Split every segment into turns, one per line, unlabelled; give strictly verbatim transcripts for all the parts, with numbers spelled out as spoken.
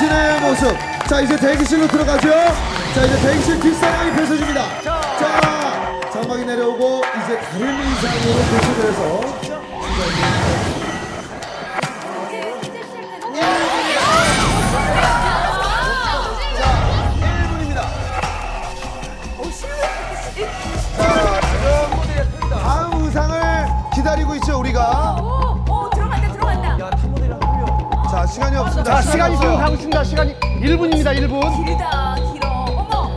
당신의 모습. 자, 이제 대기실로 들어가죠. 자, 이제 대기실 뒷사랑이 펼쳐집니다. 자, 장막이 내려오고 이제 다른 의상으로 배치돼서 다음 의상을 기다리고 있죠, 우리가.
오, 오, 들어간다, 들어간다.
자, 시간이 없습니다.
자, 시간이 지금 가고 있습니다. 시간이 일 분입니다. 일 분.
길다, 길어. 어머.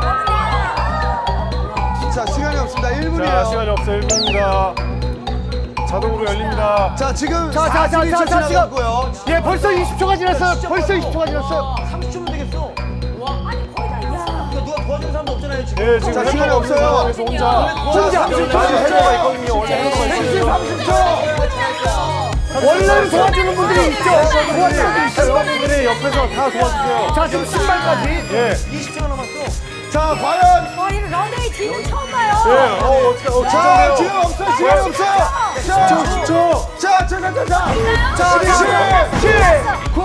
자, 시간이 없습니다. 일 분이에요.
자, 시간이 없어요. 일 분입니다. 자동으로 열립니다.
자, 지금
자, 자, 자,
사십이 초
자, 자,
지나갔고요.
예, 벌써 이십 초가 지났어요. 벌써 이십 초가 지났어요.
삼십 초면 되겠어.
아니, 거의 다 있어.
그러니까 누가 도와주는 사람도 없잖아요, 지금.
네, 지금
자,
햄버거
시간이
없는
없어요.
상황에서 혼자.
자, 삼십 초.
원래 햄버거가 있거든요. 원래 햄버거가
백신
있어요.
삼십 초.
원래는 도와주는 분들이 있죠. 도와주는 분들이 있어요.
멤버분들이 옆에서 다 도와주세요.
자, 지금 신발까지.
예.
이십 초가 남았어.
자, 과연.
머리는 런웨이 뒤는 처음 봐요.
예. 어, 어떻게, 어,
자,
긴장돼요.
지금 없어, 시간 없어. 자,
십 초.
자, 자, 자, 자, 자.
자,
십이,
자,
칠, 구,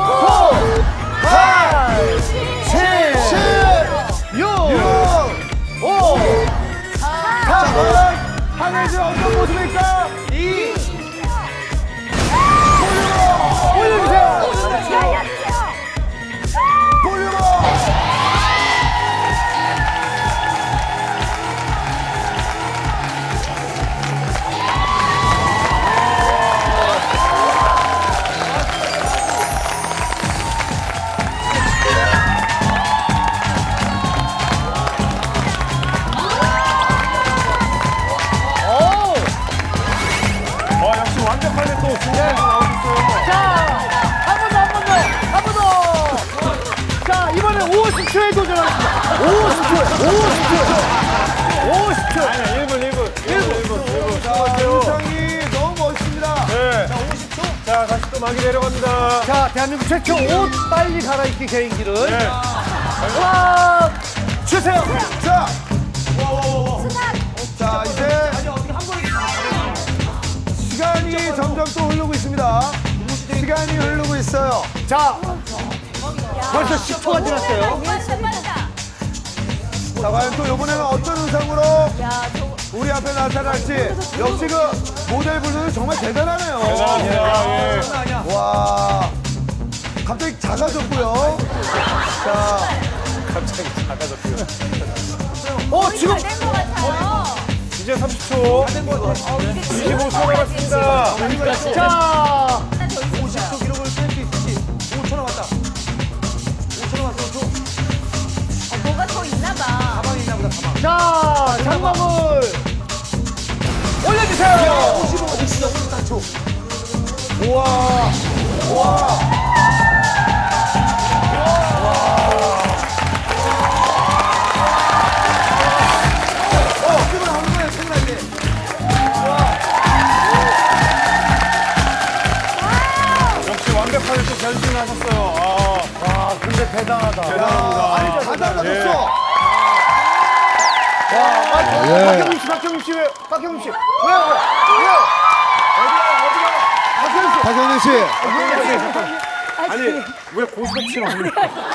팔,
칠,
칠,
육,
육,
오.
자, 과연 한혜진 어떤 모습일까?
이. 올려주세요.
볼륨업!
오.
어, 역시 완벽하게 또 준비해서 나오셨어요.
자, 한 번 더, 한 번 더, 한 번 더. 자, 이번엔 오십 초에 도전하겠습니다. 오십 초에, 오십 초. 오십 초.
아니야, 일 분, 일 분. 일 분, 일 분. 일 분.
자, 의상이 너무 멋있습니다.
네. 자, 오십 초. 자, 다시 또 막이 내려갑니다.
자, 대한민국 최초 옷 빨리 갈아입기 개인기를.
네.
와, 주세요.
자, 자, 이제 시간이 점점 또 흐르고 있습니다. 시간이 흐르고 있어요.
자, 벌써 십 초가 지났어요.
진짜 빠르다.
자, 과연 또 이번에는 어떤 의상으로
야, 저거.
우리 앞에 나타날지. 역시 그 모델분들은 정말 대단하네요.
대단합니다. 예.
와, 갑자기 작아졌고요. 자,
갑자기 작아졌고요.
어, 지금
잘된것 같아요.
이제 삼십 초. 이십오 초 남았습니다.
자,
하나 더 있어.
오십 초 기록을 깰 수 있을지. 오 초 남았다. 오 초 남았어, 오 초.
어, 뭐가 더 있나 봐.
가방이 있나 보다, 가방.
자, 장갑을 올려주세요.
오십오, 진짜 오십사 초. 우와, 우와.
어, 출근하는 거예요, 출근할 때.
역시 완벽하게 또 변신을 하셨어요. 아,
아, 근데 대단하다.
대단합니다.
다 달라졌어.
와, 아,
예.
박경민 씨, 박경민 씨 왜? 박경민 씨, 왜, 왜, 왜? 어디가, 어디가? 박경민 씨.
박경민 씨.
아니, 왜 고스톱치는 없는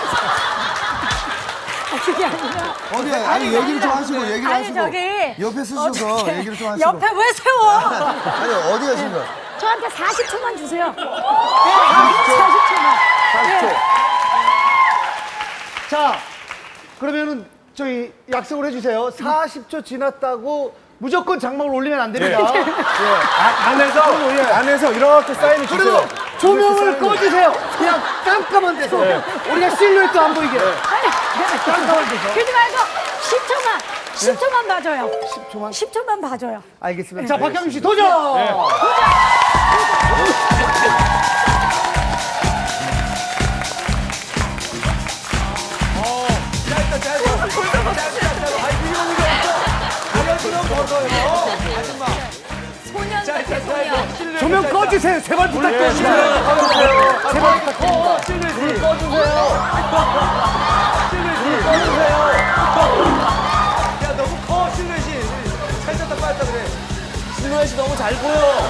그게 아니라.
어디, 아니, 얘기를 좀 하시고, 얘기를
아니,
하시고.
저기.
옆에 쓰셔서 얘기를 좀 하시고.
옆에 왜 세워?
아니, 어디 가신 거야?
저한테 사십 초만 주세요. 네, 사십 초만.
사십 초.
자, 그러면은 저희 약속을 해주세요. 사십 초 지났다고 무조건 장막을 올리면 안 됩니다.
예. 아, 안에서, 안에서 이렇게 사인을
그리고
주세요.
조명을 꺼주세요. 그냥 깜깜한 데서 우리가 실루엣도 안 보이게. 깜깜한 데서.
그러지 말고 십 초만. 십 초만 봐줘요.
십 초만.
십 초만 봐줘요.
알겠습니다. 자, 박경민 씨 도전.
짧다, 짧아. 짧다, 짧아. 아니, 이거 이거. 가려주면 벗어요. 아줌마.
소년 같아, 소년.
조명 꺼주세요. 제발 부탁드립니다.
꺼주세요.
제발 부탁드립니다.
어, 찔릴 불 꺼주세요. 찔릴 불 꺼주세요. 야, 너무 커, 실루엣이. 살쪘다, 빠졌다 그래. 실루엣이 너무 잘 보여.